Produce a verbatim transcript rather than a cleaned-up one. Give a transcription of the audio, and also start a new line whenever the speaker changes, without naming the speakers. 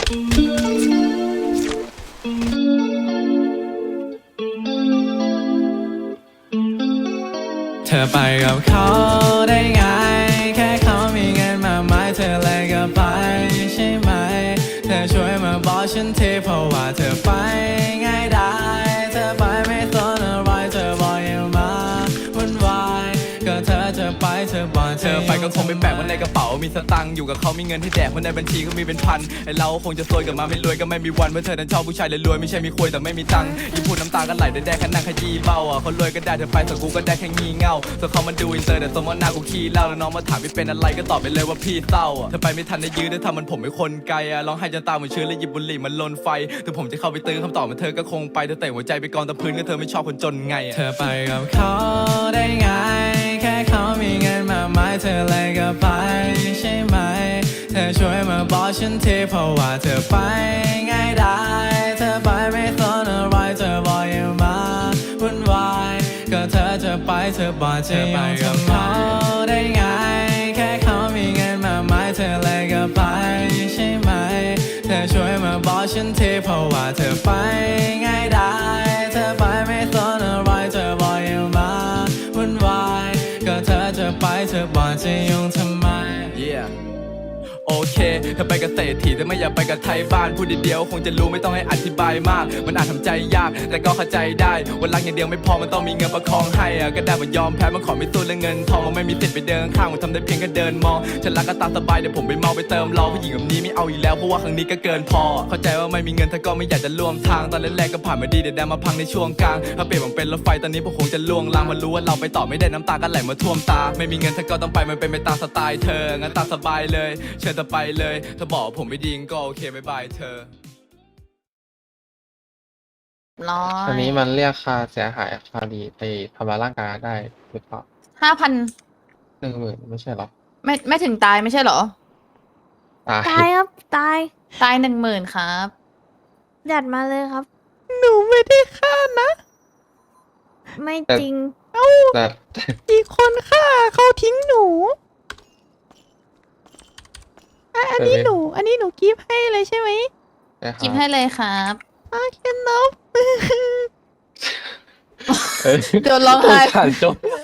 เธอไปกับเขาได้ไงแค่เขามีเงินมากมายเธอเลยก็ไปใช่ไหมเธอช่วยมาบอกฉันทีเพราะว่าเธอไปง่ายได้เธอไปไม่สนอะไรเธอบอกอย่ามาวุ่นวายก็เธอจะไปเธอบอกเธอไปก็คงไม่แปลกว่าในกระเป๋ามีสตังค์อยู่กับเขามีเงินให้แดกเพราะในบัญชีก็มีเป็นพันไอเราคงจะซวยกับมาไม่รวยก็ไม่มีวันเพราะเธอนั้นชอบผู้ชายรวยไม่ใช่มีคุยแต่ไม่มีตังค์ยิ่งพูดน้ำตาก็ไหลได้แดกขนาดขยี้เบ้าอ่ะเขารวยก็ได้เธอไปส่วนกูก็ได้แค่งี่เง่าส่วนเขามันดูอินเตอร์แต่สมมติหน้ากูขี้เล่าแล้วน้องมาถามไม่เป็นอะไรก็ตอบไปเลยว่าพี่เศร้าอ่ะเธอไปไม่ทันได้ยื้อได้ทำมันผมเป็นคนไกลอ่ะร้องไห้จนตาเหมือนเชื้อแล้วหยิบบุหรี่มันลนไฟถึงผมจะเข้าไปตื้อคำตอบมันเธอก็คงไปเธอเตะหัวใจไปกองตะพื้นก็เธอไม่ชอบคนจนไงเธอไปกับเขาได้ไงแค่เขามีเงินมากมายเธอเลยก็ไปใช่ไหมเธอช่วยมาบอกฉันทีเพราะว่าเธอไปง่ายได้เธอไปไม่สนอะไรเธอบอกอย่ามาวุ่นวายก็เธอจะไปเธอบอกจะไปกับเขาได้ไงแค่เขามีเงินมากมายเธอเลยก็ไปใช่ไหมเธอช่วยมาบอกฉันทีเพราะว่าเธอไปง่ายได้เธอไปไม่สนอะไรเธอบอกอย่ามาวุ่นวายก็เธอจะไปเธอบอกจะยุ่งทำไม yeahโอเคเธอไปกับเศรษฐีแต่ไม่อยากไปกับไทยบ้านพูดเดียวคงจะรู้ไม่ต้องให้อธิบายมากมันอาจทำใจยากแต่ก็เข้าใจได้วันรักอย่างเดียวไม่พอมันต้องมีเงินประคองให้อะก็ได้มันยอมแพ้มันขอไม่สู้เรื่องเงินทองมันไม่มีสิทธิ์ไปเดินข้างมันทำได้เพียงแค่เดินมองฉันรักก็ตามสบายเดี๋ยวผมไปเมาไปเติมรอผู้หญิงแบบนี้ไม่เอาอีกแล้วเพราะว่าครั้งนี้ก็เกินพอเข้าใจว่าไม่มีเงินเธอก็ไม่อยากจะร่วมทางตอนแรกๆก็ผ่านมาดีเดี๋ยวได้มาพังในช่วงกลางถ้าเปลี่ยนมันเป็นรถไฟตอนนี้พวกคงจะล่วงลางมารู้ว่าเราไปต่อไม่ได้น้ำตาก็ไหลมาท่วมตาไม่มีเงินเธอก็ต้องไปมันเป็นไปตามสไตล์เธองั้นตามสบายเลยเชิญเธอไปเลยเธอบอกผมไม่ดีก็โอเคบายบายเธอ
ร้อ
อัน
ย
นี้มันเรียกค่าเสียหายคาดีไปทำร้ายร่างกายได้หรือเปล่า
ห้าพัน
หนึ่งหมื่นไม่ใช่หรอ
ไม่ไม่ถึงตายไม่ใช่เหรอ
ตาย
ตายครับตาย
ตายหนึ่งหมื่นครับ
จัดมาเลยครับ
หนูไม่ได้ฆ่านะ
ไม่
แต่
จริง
แต่
อีกคนฆ่าเขาทิ้งหนูอ่ะอันนี้
แต่ไม่
หนู อันนี้หนูกิฟต์ให้เลยใช่ไหม
นะค
กิ
รั
ฟ
บ
ให้เลยครับ
โอเคนบ
เอ้ย
โดนร้องไห้
สงสารโจ๊ก